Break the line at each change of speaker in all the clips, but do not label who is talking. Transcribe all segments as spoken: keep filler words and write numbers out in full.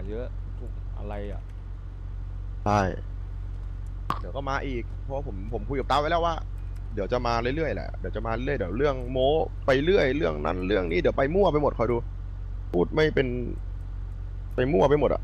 เยอะทุกอะไรอ่ะ
ใช่เดี๋ยวก็มาอีกเพราะผมผมคุยกับตาไว้แล้วว่าเดี๋ยวจะมาเรื่อยๆแหละเดี๋ยวจะมาเรื่อยเดี๋ยวเรื่องโม้ไปเรื่อยเรื่องนั้นเรื่องนี้เดี๋ยวไปมั่วไปหมดคอยดูพูดไม่เป็นไปมั่วไปหมดอ่ะ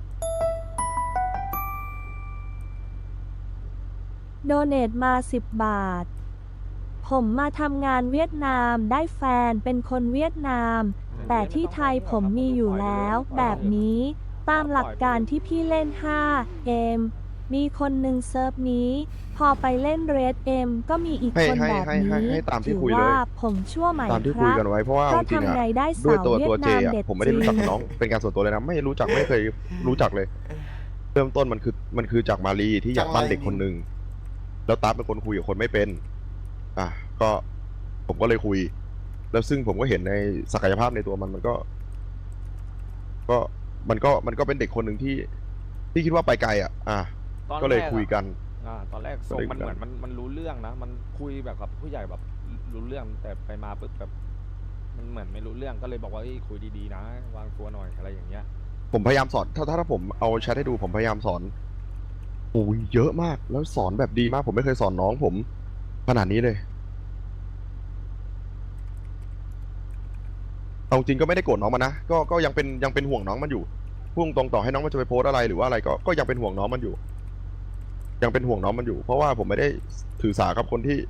โดเนทมาสิบบาทผมมาทำงานเวียดนามได้แฟนเป็นคนเวียดนาม แต่ที่ไทยผมมีอยู่แล้วแบบนี้ตามหลักการที่พี่เล่น ห้า เอ็ม มีคนหนึ่งเซิร์ฟนี้ พอไปเล่นเรดเอ็มก็มีอีก
ให้
คน
ให้
แบบ
ให้ให้
นี้
ให้ตามที่
ถือ
คุยเลย
ว่าผมชั่วไหม
ตามที่
ค
คุย
รับ
กันไว้เพราะว่า
ก็
จริงๆ
ทำไง
อ่ะ
ได้
ด้วย
สาว
ตัว
เวีย
ตัว
ด
เจ
นาม
อ่ะ
เด็ด
ผมไม่ได้
จริ
รู้
ง
จักกับน้องเป็นการส่วนตัวเลยนะไม่รู้จักไม่เคยรู้จักเลย เริ่มต้นมันคือมันคือจากมารีที่อยากปั้นเด็กคนหนึ่งแล้วตาเป็นคนคุยกับคนไม่เป็นอ่ะก็ผมก็เลยคุย แล้วซึ่งผมก็เห็นในศักยภาพในตัวมันมันก็ ก็มันก็มันก็เป็นเด็กคนหนึ่งที่ ที่คิดว่าไปไกลอ่ะ อ่ะ
ตอน
ก็เลย
แรอะ
คุยกัน
อ่าตอนแรกส่งมันเหมือนมันมันรู้เรื่องนะมันคุยแบบกับผู้ใหญ่แบบรู้เรื่องแต่ไปมาปุ๊บแบบมันเหมือนไม่รู้เรื่องก็เลยบอกว่าเอ้ยคุยดีๆนะวางตัวหน่อยอะไรอย่างเงี้ย
ผมพยายามสอนถ้าถ้าถ้าผมเอาแชทให้ดูผมพยายามสอนโอ้ยเยอะมากแล้วสอนแบบดีมาก ผมไม่เคยสอนน้องผมขนาดนี้เลยเอาจริงก็ไม่ได้โกรธน้องมันนะก็ก็ยังเป็นยังเป็นห่วงน้องมันอยู่พุ่งตรงต่อให้น้องมันจะไปโพสอะไรหรือว่าอะไรก็ก็ยังเป็นห่วงน้องมันอยู่ ยังเป็นห่วงน้องมันอยู่ เพราะว่าผมไม่ได้ถือสากับคนที่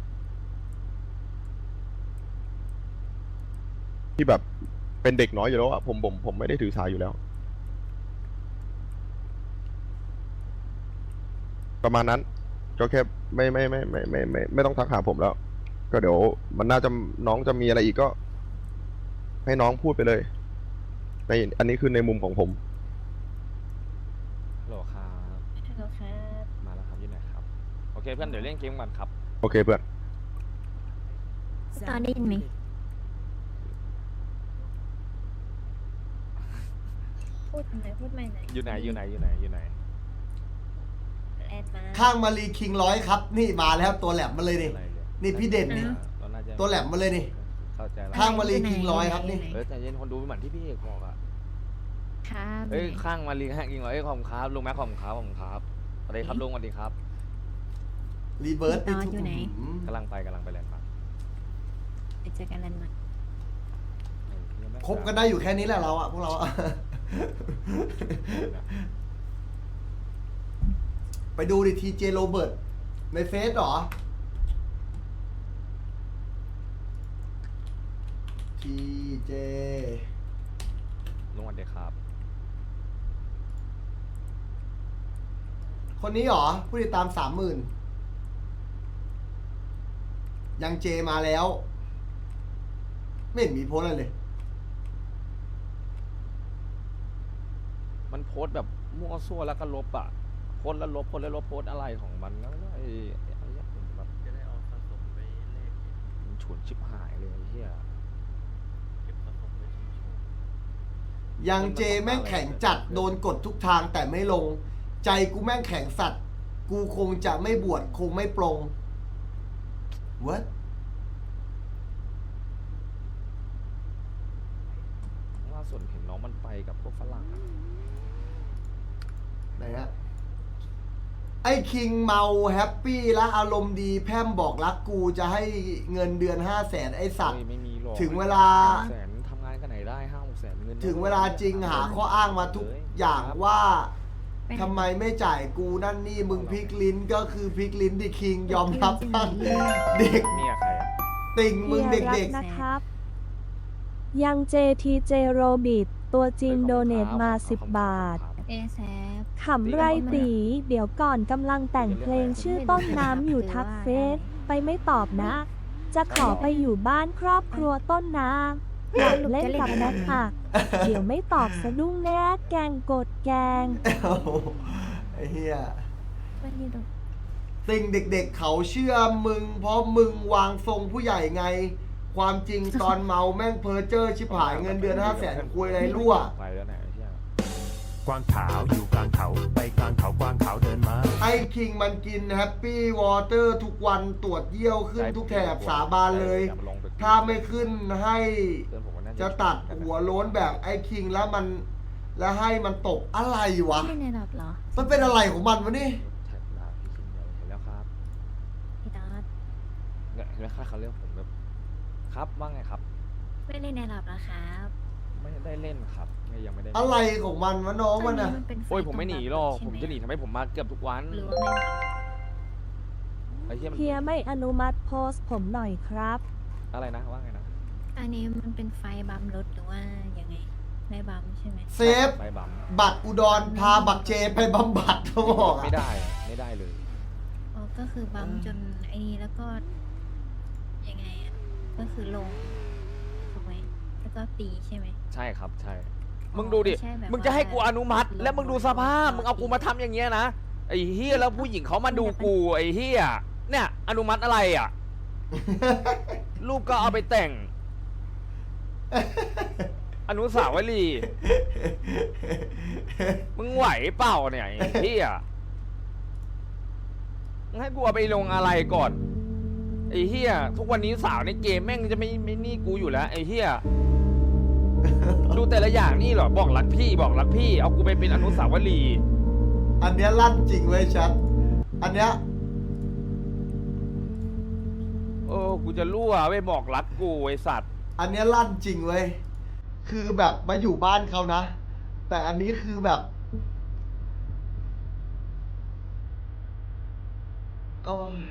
ที่แบบเป็นเด็กน้อยอยู่แล้วอะผมผมผมไม่ได้ถือสาอยู่แล้ว ประมาณนั้นก็แค่ไม่ไม่ไม่ไม่ไม่ไม่ไม่ต้องทักหาผมแล้ว ก็เดี๋ยวมันน่าจะน้องจะมีอะไรอีกก็ ให้น้องพูดไปเลยในอันนี้คือในมุมของผม
ฮัลโหลครับ
ฮัลโหลครับ
มาแล้วครับอยู่ไหนครับโอเคเพื่อนเดี๋ยวเล่นเกมกันครับ
โอเคเพื่อน
ตอนได้ยินไหมพูดไหนพูดใหม่หน่อย
อยู่ไหนอยู่ไหนอยู่ไหนอยู่ไหน
แลนด์มา
ข้างมารีคิงร้อยครับ นี่มาแล้วตัวแหลมมาเลยนี่
อะไรเนี่ย
นี่พี่เด่นนี่
เราน่าจะ
ตัวแหลมมาเลยนี่
เข้าใจแล้ว
ข้างมารีคิงร้อยครับนี่
เออใจเย็นคนดูเหมือนที่พี่เอกบอกอะ
ครับ
เอ้ยข้างมาลีข้างยิงเหรอเอ้ยขอบคุณครับลุงแม็กขอบคุณครับขอบคุณครับสวัสดีครับลุงสวัสดีครับ
รีเวิร์ส
ตอนอยู่ไหน
กำลังไปกำลังไปแลนด์มาร์ค
ไปเจอกันแลนด์มา
คบกันได้อยู่แค่นี้แหละเราอะพวกเราอะ ไปดูดิทีเจโรเบิร์ตในเฟซเหรอทีเจ
ลุงสวัสดีครับ
คนนี้เหรอ ผู้ติดตามสามหมื่นยังเจมาแล้ว ไม่เห็นมีโพสต์อะไรเลย
มันโพสต์แบบมั่วซั่วแล้วก็ลบอ่ะโพสต์แล้วลบโพสต์แล้วลบโพสต์อะไรของมันนะไอ้ไอ้ไอ้เหี้ยผมแบบจะได้เอาสะสมไปเลขมันฉุนชิบหายเลยไอ้เฮียเก็บสะสมไว้ชิว
ยังเจแม่งแข็งจัดโดนกดทุกทางแต่ไม่ลง ใจกูแม่งแข็งสัตว์ กูคงจะไม่บวชคงไม่ปรง What
ล่าสุดเห็นน้องมันไปกับพวกฝรั่งอะ
ไหนฮะไอ้คิงเมาแฮปปี้และอารมณ์ดีแพร่มบอกรักกูจะให้เงินเดือนห้าแสนไอ้สัตว์
เฮ้ยไม่มีหรอก
ถึงเวลา
ห้แสนทำงานกันไหนได้ห้าหกแสนเงิน
ถึงเวลาจริงหาข้ออ้างมาทุกอย่างว่า
ไปไหน
ทำไมไม่จ่ายกูนั่นนี่มึงพลิกลิ้นก็คือพลิกลิ้นดิคิงยอมรับทั้งเด็ก
เมียใครอะ
ติ่งมึง
เฮียรั
เด็ก
นะครับ ยังเจทีเจโรบิทตัวจริงโดเนทมาสิบบาท
เอแซฟ
ขำไรตี เดี๋ยวก่อนกำลังแต่งเพลงชื่อต้นน้ำอยู่ทักเฟซไปไม่ตอบนะ จะขอไปอยู่บ้านครอบครัวต้นน้ำอยากเล่นกับแนทอักเดี๋ยวไม่ตอบสะดุ้งแน่แกงกดแกง
ๆโอ้โหไอ้เหี้ย
วันนี้ดู
ติ่งเด็กๆเขาเชื่อมึง เพราะมึงวางทรงผู้ใหญ่ไง ความจริงตอนเมาแม่งเพ้อเจ้อชิบหายเงินเดือนห้าแสนคุยอะไรรั่ว
ไปแล้วไหนไอ้เหี้ย
กวางขาวอยู่กลางเขาไปกลางเขากวางขาวเดินมา
ไอ้คิงมันกินแฮปปี้วอเตอร์ทุกวันตรวจเยี่ยวขึ้นทุกแถบสาบานเลย ถ้าไม่ขึ้นให้
เพื่อนผมก็น่า
จะตัดหัวโล้นแบบไอ้คิงแล้วมันแล้วให้มันตกอะไรวะ
ไม่ในระดับเหรอ
มันเป็นอะไรของมันวะนี่
แท็กดาพี่ชินใหญ่เห็นแล้วครับ
พี่ดอส
เนี่ยเห็นไหมค่าเขาเรียกผมแบบครับว่าไงครับ
ไม่ได้ในระดับนะครับ
ไม่ได้เล่นครับไม่ยังไม่ได้เล่น
อะไรของมันวะน้องมัน
อั
อะ
มันเป็นฟ
โอ้ยผมไม่หนีหรอก
ใช่
ผม
ไ
จะหนีทำไมผมมาเกือบทุกวัน
หรือว่าไม่รับ
ไอ้เหี้ยมัน
เฮียไม่อนุมัติโพสต์ผมหน่อยครับ
อะไรนะว่าไงนะ
อันนี้มันเป็นไฟบัมรถหรือว่ายังไงไม่บัมใช่ไหม
เซฟ
ไปบัม
บัตรอุดรพาบักเจไปบำบัดเขาบอกอะ
ไม่ได้ไม่ได้เลย
อ๋อก็คือบัมจนไอ้นี่แล้วก็ยังไงอ่ะก็คือลงถูกไหมแล้วก็ตีใช่ไหม
ใช่ครับใช่
อ๋อ
มึงดูดิ
ไม่ใช่แบบ
มึงจะให้กู
ว่า
อนุมัติ
ลง
แล้วมึงดูสภาพ
ลง
มึงเอากูมาทำอย่างเงี้ยนะ ไอ้เฮียแล้วผู้หญิงเขามาดูกูไอ้เฮียเนี่ย อนุมัติอะไรอ่ะ รูปก็เอาไปแต่ง อนุสาวรีย์มึงไหวเปล่าเนี่ยไอ้เฮียมึงให้กูเอาไปลงอะไรก่อน ไอ้เฮียทุกวันนี้สาวในเกมแม่งจะไม่ไม่นี่กูอยู่แล้วไอ้เฮียดูแต่ละอย่างนี่เหรอบอกรักพี่บอกรักพี่เอากูไปเป็นอนุสาวรีย์
อันเนี้ยลั่นจริงเว้ยชัดอันเนี้ย
โอ้กูจะรั่วไปบอกรักกูไอสัตว์
อันเนี้ยลั่นจริงเว้ยคือแบบมาอยู่บ้านเขานะ แต่อันนี้คือแบบโอ้ย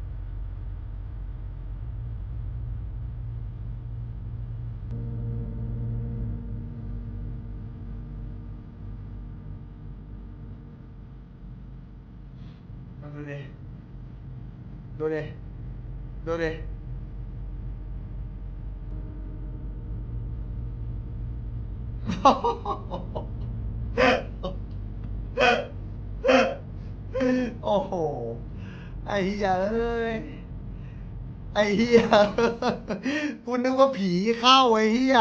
ดูดิดูดิดูดิ โอ้โห ไอ้เหี้ยเอ้ย ไอ้เหี้ยคุณนึกว่าผีเข้าไอ้เหี้ย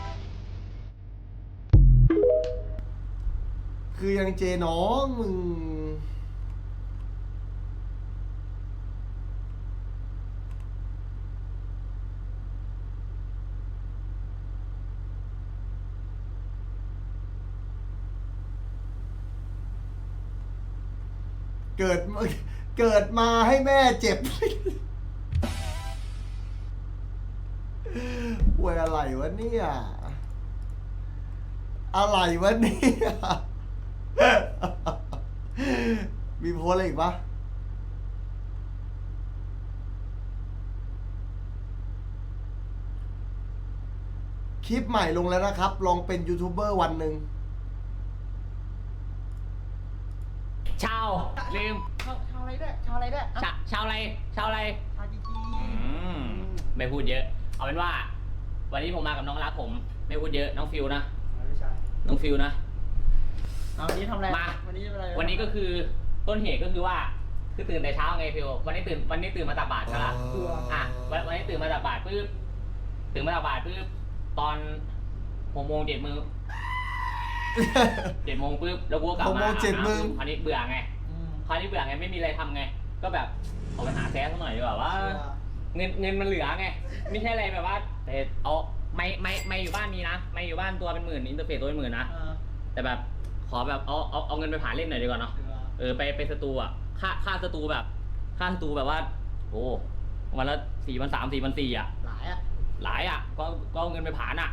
คือยังเจน้องมึง เกิดมาเกิดมาให้แม่เจ็บ ป่วยอะไรวะเนี่ย อะไรวะเนี่ย มีโพสอะไรอีกปะคลิปใหม่ลงแล้วนะครับ ลองเป็นยูทูบเบอร์วันหนึ่ง
ชาวลืม
ชาวชาวอะไรเนี่ยชาวอะไรเนี่ย
ชาชาวอะไรชาวอะไร
ชาวจีจี
อืมไม่พูดเยอะ เอาเป็นว่า วันนี้ผมมากับน้องรักผม ไม่พูดเยอะน้องฟิวนะ
ไม่ใช่
น้องฟิวนะ
เอาวันนี้ทำอะไร
มา
วันนี้ทำอะไร
วันนี้ก็คือต้นเหตุก็คือว่าคือตื่นแต่เช้าไงฟิววันนี้ตื่นวันนี้ตื่นมาตักบาตรใช่ปะอ่ะวันวันนี้ตื่นมาตักบาตรปุ๊บตื่นมาตักบาตรปุ๊บตอนหกโมงเจ็ดโมงเจ็ดโมงปุ๊บแล้วกูก็กลับ
หก
มา
โมงเจ็ดโมง
คราวนี้เบื่อไงคราวนี้เบื่อไงไม่มีอะไรทำไง ก็แบบออกไปหาแซสสักหน่อยดีกว่าว่า เงินเงินมันเหลือไง ไม่ใช่อะไรแบบว่าแต่เอาไม่ไม่ไม่อยู่บ้านมีนะ ไม่อยู่บ้านตัวเป็นหมื่นอินเตอร์เฟซตัวเป็นหมื่นนะ แต่แบบขอแบบเอาเอาเอาเงินไปผ่านเล่นหน่อยดีกว่าเนาะเออไปไปสตูอ่ะค่าค่าสตูแบบ ค่าสตูแบบว่า โอ้วันละสี่พันสามสี่พันสี่อ่ะ
หลายอ่ะ
หลายอ่ะก็ก็เอาเงินไปผ่านอ่ะ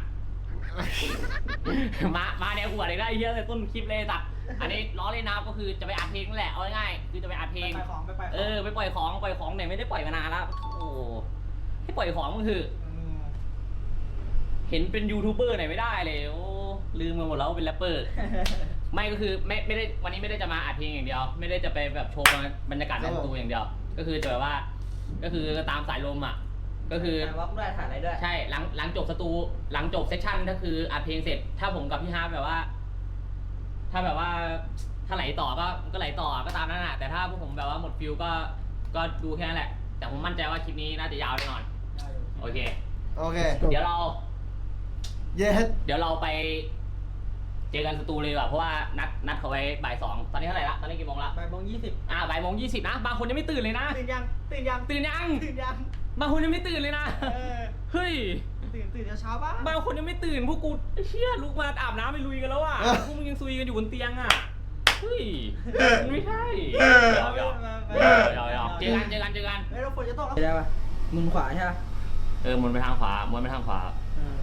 มามาแนวหัวเลยได้เยอะเลยต้นคลิปเลยตัดอันนี้ล้อเล่นนะก็คือจะไปอัดเพลงนั่นแหละเอาง่ายๆคือจะไปอัดเพลง
ไปของไปไปของ
เออไปปล่อยของปล่อยของเนี่ยไม่ได้ปล่อยมานานแล้วโอ้ให้ปล่อยของมันคือ
ม
เห็นเป็นยูทูบเบอร์ไหนไม่ได้เลยโอ้ลืมไปหมดแล้วว่าเป็นแรปเปอร์ ไม่ก็คือไม่ไม่ได้วันนี้ไม่ได้จะมาอัดเพลงอย่างเดียว ไม่ได้จะไปแบบโชว์บรรยากาศในสตูอย่างเดียว ก็คือจะแบบว่า ก็คือตามสายลมอ่ะ ก็คือ
ถ่ายวับด้วยถ่ายอะไรด้วย
ใช่หลังหลังจบสตูหลังจบเซสชั่นก็คืออัดเพลงเสร็จ ถ้าผมกับพี่ฮาร์ปแบบว่า ถ้าแบบว่าถ้าไหลต่อก็ก็ไหลต่อก็ตามนั้นแหละแต่ถ้าพวกผมแบบว่าหมดฟิลก็ก็ดูแค่นั้นแหละ แต่ผมมั่นใจว่าคลิปนี้น่าจะยาวแน่นอนโอเค
โอเค
เดี๋ยวเรา
เย็ด
เดี๋ยวเราไปเจอกันสตูเลยดีกว่าเพราะว่านัดนัดเขาไว้บ่ายสองตอนนี้เท่าไหร่ละตอนนี้กี่โมงละ
บ่ายโมงยี่สิบ
อ่าบ่ายโมงยี่สิบนะบางคนยังไม่ตื่นเลยนะ
ตื่นยัง ตื่นยัง
ตื่นยัง
ตื่นยัง
บางคนยังไม่ตื่นเลยนะ
เออ
เฮ้ย
ตื่นตื่นเช้าๆบ้าง
บางคนยังไม่ตื่นพวกกูไอ้เชี่ยลุกมาอาบน้ำไปลุยกันแล้วอ่ะ
เออ
พวกมึงยังซุยกันอยู่บนเตียงอ่ะเฮ้ยมันไม่ใช่หยอกหยอกหยอกหยอกเจอกันเจอกันเจอกัน
ไม่ต้องฝนจะตกแล้วได้ปะมุมขวาใช่ปะ
เออหมุนไปทางขวาหมุนไปทางขวา
เออ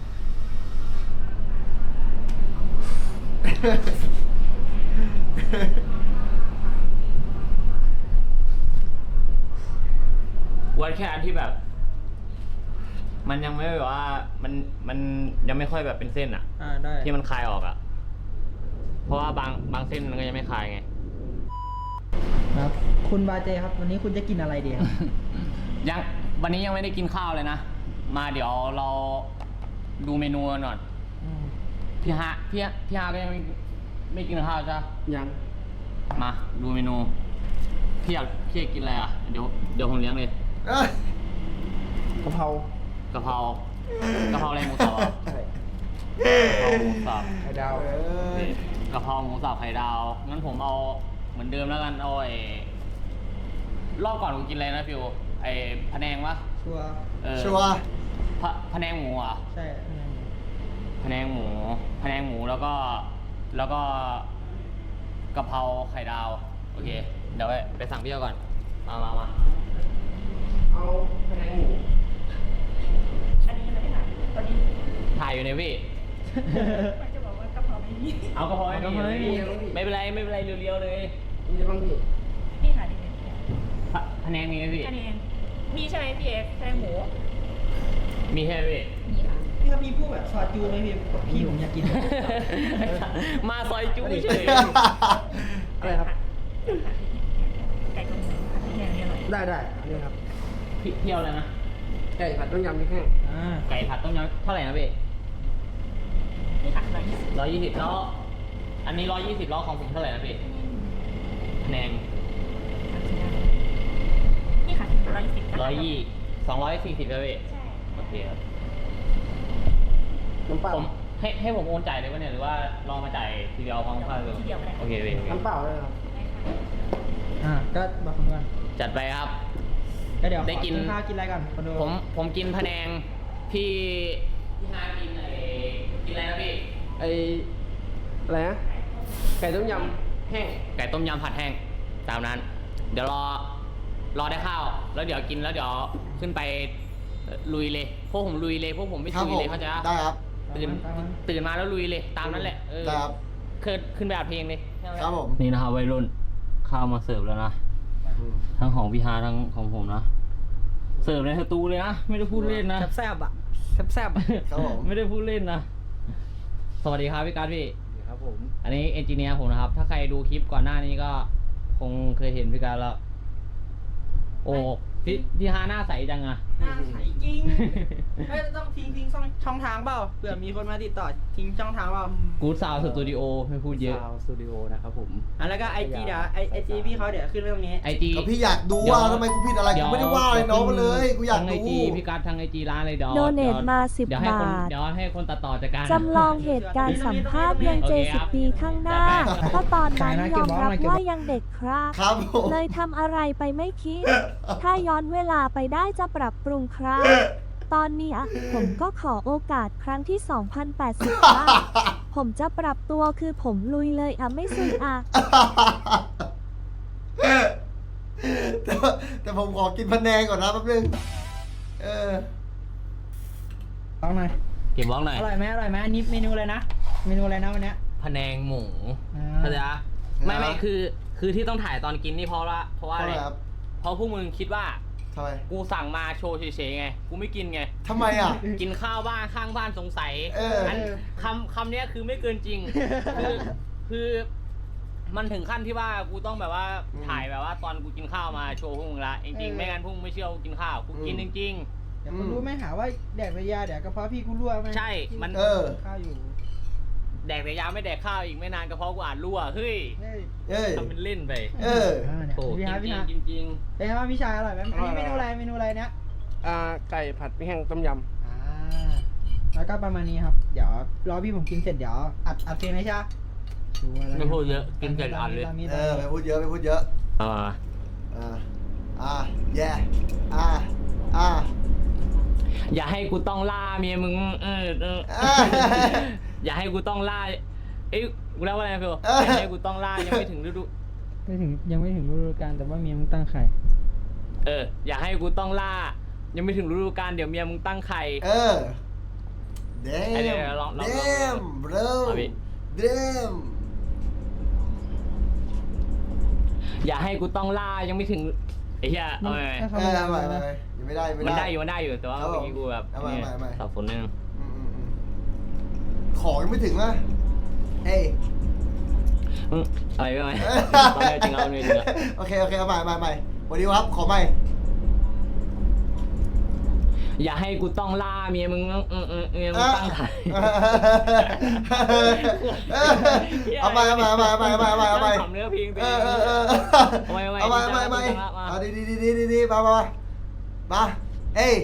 วันแค่อันที่แบบ มันยังไม่แบบว่ามันมันยังไม่ค่อยแบบเป็นเส้นอ่ะ
อ่าได้
ที่มันคลายออกอ่ะ เพราะว่าบางบางเส้นมันก็ยังไม่คลายไง
ครับ คุณบาเจครับ วันนี้คุณจะกินอะไรดีครับ
ยังวันนี้ยังไม่ได้กินข้าวเลยนะ มาเดี๋ยวเราดูเมนูกันก่อน
อืม
พี่ฮะพี่ฮะพี่ฮะก็ยังไม่ไม่กินข้าวใช่ปะ
ยัง
มาดูเมนู พี่อยากพี่อยากกินอะไรอ่ะ เดี๋ยวเดี๋ยวผมเลี้ยงเลย
เอ้ย
กะเพราก
ะเพรากะเพราอะไรหมูสับอ่ะ
ใช่
กะเพราหมูสับ
ไข่ดาว
เอ้ย
กะเพราหมูสับไข่ดาว งั้นผมเอาเหมือนเดิมแล้วกัน เอาไอ้รอบก่อนกูกินอะไรนะฟิวไอ้พะแนงวะ
ชัวร์
เออ
ชัวร์
พะพะแนงหมูอ่ะ
ใช่
พะแนงหมูพะแนงหมูแล้วก็ แล้วก็กะเพราไข่ดาว โอเค เดี๋ยวไปไปสั่งพี่เอาก่อน มามามา
เอาพะแนงหมู
ถ่ายอยู่เนี่ยพี่
จะบอกว่ากะเพราไม่มี
เอากะเพราไม่
กะเพราไม่มี
มีไม่เป็นไรไม่เป็นไรเรียวๆเลย
มีอะไรบ้างพี่
นี่ค่ะนี่ค่ะ
พะพะแนงมีไหมพี่
อันนี้มีใช่ไหมพี่เอ็กซ์แค่หมู
มีใช่ไหมพี่
มีค่ะ
พี่ครับมีพวกแบบซอสจูไหมพี่พี่ผมอยากกิน
มาซอยจุ้ยเฉย
อะไรครับ
ไก่กับหมูค่ะพี่แกงนี่อร่อย
ได้ได้อันนี้ครับ
พี่เที่ยวเลยนะ
ไก่ผัดต้มยำพริกแห้งอ่า
ไก่ผัดต้มยำเท่าไหร่นะพี่
นี่ค่ะร้อยยี่สิบ
ร้อยยี่สิบแล้ว อันนี้ร้อยยี่สิบแล้วของผมเท่าไหร่นะพี่พะแนง
นี่ค่ะร้อยยี่สิบ
ร้อยยี่สองร้อยสี่สิบแล้วพี่
ใช่
โอเคครับ
น้ำเปล่า
ผมให้ให้ผมโอนจ่ายเลยป่ะเนี่ยหรือว่าลองมาจ่ายทีเดียวพร้อมค่าเลย
ทีเดียวก็ได้
โอเคพี่โอเค
น้ำเปล่าเลยครับ
ได้ค่ะ
อ่าก็บอกคุณก่อน
จัดไปครับ
ก็เดี๋ยวขอ
ได้กิน
ข้าวกินอะไรก่อนคนดู
ผมผมกินพะแนงพี่พี่ฮากินไอ้กินอะไรนะพี่
ไออะไรนะไก่ต้มยำแห้ง
ไก่ต้มยำผัดแห้งตามนั้น เดี๋ยวรอรอได้ข้าว แล้วเดี๋ยวกินแล้วเดี๋ยวขึ้นไปเอ่อลุยเลยพวกผมลุยเลยพวกผมไม่
ครับ
ซุย
ผม
เลยเขาใจปะ
ได้ครับ
ตื่นตื่นมาแล้วลุยเลยตามนั้นแหละเออ
ได้ครับ
ขึ้นขึ้นไปอัดเพลงเลย
ครับผม
นี่นะครับวัยรุ่นข้าวมาเสิร์ฟแล้วนะ
อืม
ทั้งของพี่ฮาทั้งของผมนะเสิร์ฟในสตูเลยนะไม่ได้พูดเล่นนะ
แซ่บๆอ่ะแซ่บๆอะ
ครับผม
ไม่ได้พูดเล่นนะสวัสดีครับพี่การดพี่
ครับผม
อันนี้เอนจิเนียร์ผมนะครับ ถ้าใครดูคลิปก่อนหน้านี้ก็คงเคยเห็นพี่การดแล้ว โอ้พี่พี่ฮาหน้าใสจังอะ
หน้าใสจริงเฮ้ยต้องทิ้งทิ้งช่องช่องทางเปล่าเผื่อมีคนมาติดต่อทิ้งช่องทางเปล่า
กูดซาวสตูดิโอไม่พูดเยอะ
ซาวสตูดิโอนะครับผม
อ่ะแล้วก็ไอจีเดี๋ยวไอไอจีพี่เขาเดี๋ยวขึ้นไว้ตรงนี้
ไอจี
ก็พี่อยากดูว่าทำไมกูผิดอะไรกูไม่ได้ว่าเลยน้องมาเลยกูอยาก
ทั้งไอ
ดู
จีพี่การดทั้งไอจีร้านเลยเดี๋ยว
โดเนท
ดี๋ยว
มาสิบ
เดี๋ยวให้คน
บาท
เดี๋ยวให้คนตัดต่อจัดการ
จำลองเหตุการณ์สัมภาษณ์ยังเจสิบปีข้างหน้าเพราะตอนนั้นยอมรับว่ายังเด็กครับ
ครับผม
เลยทำอะไรไปไม่คิด ถ้าย้อนเวลาไปได้จะปรับปรุงครับ ตอนเนี้ยผมก็ขอโอกาสครั้งที่ สองพันแปดสิบ บ้างผมจะปรับตัวคือผมลุยเลยอ่ะไม่ซุยอ่ะ
แต่แต่ผมขอกินพะแนงก่อนนะแป๊บนึงเออ
ลองหน่อย
เก็บบ้องหน่อย
อร่อยไหมอร่อยไหมอันนี้เมนูอะไรนะ เมนูอะไรนะวันเนี้ย
พะแนงหมู
อ่า
เข้าใจปะไม่ไม่
ครับ
คือ คือที่ต้องถ่ายตอนกินนี่เพราะว่าเพราะว่า
เท่า
อะ
ไห
ไร
ร่ครับ
เพราะพวกมึงคิดว่า
ทำไม
กูสั่งมาโชว์เฉยๆไง กูไม่กินไง
ทำไมอ่ะ
กินข้าวบ้านข้างบ้านสงสัย
เอออั
นคำคำเนี้ยคือไม่เกินจริง คือคือมันถึงขั้นที่ว่ากูต้องแบบว่าถ่ายแบบว่าตอนกูกินข้าวมาโชว์พวกมึงละจริงๆไม่งั้นพวกมึงไม่เชื่อกูกินข้าวกูกินจริง
เดี๋ยวคนรู้ไหมหาว่าแดกไปยาเดี๋ยวกระเพาะพี่กูรั่วไหม
ใช่มัน
เออ
ข้าวอยู่
ๆ แดกแต่ยาไม่แดกข้าวอีกไม่นานกระเพาะกูอาจรั่วเฮ้ย
เฮ้ย
เอ้ย
ทำเป็นเล่นไป
เออ
อ่าเนี่ย
โอ้
พี่
จ
ฮาร์ดพี่ฮาร์ด
ริงๆจริง
เป็นไงบ้างพี่ชายอร่อยไหมอันนี้เมนูอะไรเมนูอะไรเนี้ย
อ่าไก่ผัดพริกแห้งต้มย
อ่าแล้วก็ประมาณนี้ครับ เดี๋ยวรอพี่ผมกินเสร็จเดี๋ยวอัดอัดเพลงเลยใช่ไหมชัวร์แล้ว
ๆไม่พูดเยอะกินเสร็จอ่านเลย
ตามนี้
เอ
ตาม
อ
นี้
ไปพูดเยอะไปพูดเยอะ
อ่า
อ่า อ่า แย่ อ่า อ่า
อย่าให้กูต้องล่าเมียมึงเออเออ
อ่า
อย่าให้กูต้องล่าเอ้ยกูเล่าว่าอะไรนะพี่โอ
เออ
อย่าให้กูต้องล่ายังไม่ถึงฤดู
ไม่ถึงยังไม่ถึงฤดูกาลแต่ว่าเมียมึงตั้งไข่
เอออย่าให้กูต้องล่า ยังไม่ถึงฤดูกาลเดี๋ยวเมียมึงตั้งไข่
เออ
ไอ้เดี๋ยว
damn
ลองลองลอง
damn bro
เอาพี่
damn
อย่าให้กูต้องล่ายังไม่ถึงไอ้เหี้ยเอาไป
ถ้าเขา
เอ
ไม่
อ
รับ
ไม่
นะ
ไม่ยังไม่ได้ไม่
มัน
ได้
ได้อยู่มันได้อยู่แต่ว่า
ครับผม
เมื่อกี้กูแบบ
เอาใหม่
เนี่ย
เอาใหม่
สับสนนิดนึง
อืมอืมอืมของยังไม่ถึงอ่ะเอ้ย
อืมอะไรไปไหมตอนนี้จริงเอาเนี่ยจริงอะ
โอเค โอเค เอาใหม่ใหม่ใหม่สวัสดีครับ ขอใหม่
อย่าให้กูต้องล่าเมียมึงเออเออเมียมึงตั้งไข่
เอาใหม่เอาใหม่เอาใหม่เอาใหม่เอาใหม่เอาใหม่เอาใหม่
ทำเนื้อเพลงตัว
เอ
เอ
อง เออเออ
เอาใหม่
เอาใหม่เอาใหม่เอาใหม่เอาดีดีดีดีดีดีมามามาเอ้ย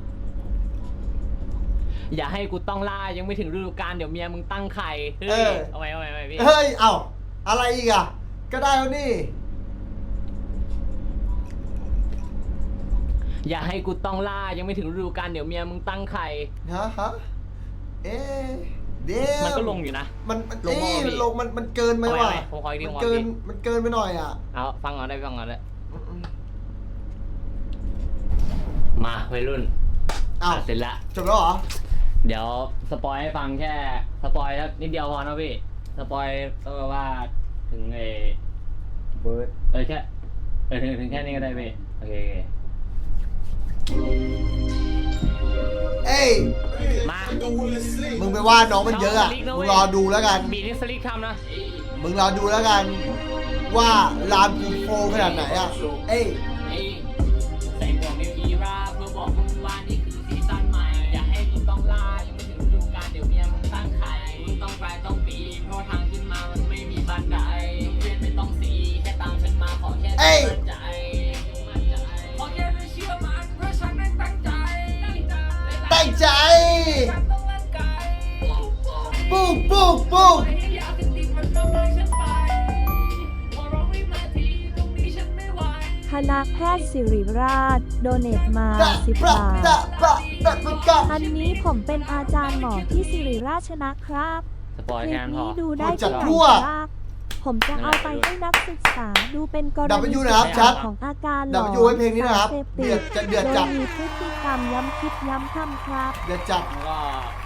อย่าให้กูต้องล่ายังไม่ถึงฤดูกาลเดี๋ยวเมียมึงตั้งไข่เฮ้
เอย อ
เอาใหม่เอาใหม่เอาใหม่พี่
เฮ้ย เอ้า อะไรอีกอ่ะ ก็ได้แล้วนี่
อย่าให้กูต้องล่ายังไม่ถึงฤดูกาลเดี๋ยวเมียมึงตั้งไข่
ฮะฮะเอ๊ะเดม
มันก็ลงอยู่นะ
มันมัน
ลง
เอ๊ะ
มาพี่
ลงมันมันเกินไป
เอาใหม่
ว่ะ
เอาใหม่ผมขออีกที
มัน
ผมขอ
เกิ
อี
น
กที
มันเกินไปหน่อยอ่ะ
เอาฟังก่อนได้ฟังก่อนได้
อืมอืม
มาวัยรุ่น
อ้าว
อ่ะเสร็จละ
จบแล้วเหรอ
เดี๋ยวสปอยให้ฟังแค่สปอยนิดเดียวพอนะพี่สปอยก็ว่าถึงไอ้เบิร์ดเออแค่เออถึงถึงแค่นี้ก็ได้พี่โอเคโอเค
เอ้ย
มา
มึงไปว่าน้องมันเยอะอ่ะ
น้อง
มึ
มัน
ง
เย
ร
อะ
อดูแล้วกัน
บีนี่สลิกทำนะ
มึงรอดูแล้วกัน ว่าร้านกูโฟขนาดไหนอ่ะ เอ้ย
เอ้ยใส่หมวกนิวอีราเพื่อบอกมึงว่านี่คือซีซั่นใหม่อย่าให้มึงต้องล่ายังไม่ถึงฤดูกาลเดี๋ยวเมียมึงตั้งไข่มึงต้องไปต้องปีเพราะทางขึ้นมามันไม่มีบันไดเรียนไม่ต้องสีแค่ตามฉันมาขอแค่
เอ้ย
มั่นใจมั่นใจขอแค่ได้เชื่อมันเพราะฉันนั้นตั้งใจ
ตั้งใจ
ฉันต้องร่างกาย
ปุ๊กปุ๊กปุ๊ก
ไม่ให้อยากติดติดมันต้องได้ฉันไปพอร้องไม่มาทีตรงนี้ฉันไม่ไหว
คณะแพทย์ศิริราช โดเนตมา
ดะ
สิบ
ปะ
บาท
ดะปะดะปะกะ
อันนี้ผมเป็นอาจารย์หมอที่ศิริราชนะครับ
สปอย
คลิ
แค่
ป
นั้นพอ
นี้ดูได้
จั
ที่
ด
ไหน
ทั่ว
ครับ ผมจะเอาไปให้นักศึกษาดูเป็นกร
ดับเบิล
ณี
ยูนะครับชัด
ของอาการหล
ดับ
อ
เบิ
น
ลยูให้เพลงนี้นะครับ
สารสพ
เดือดจะเดือดจัด
โดยมีพฤติกรรมย้ำคิดย้ำทำครับ
เดี๋ยวจัด
แล้วก็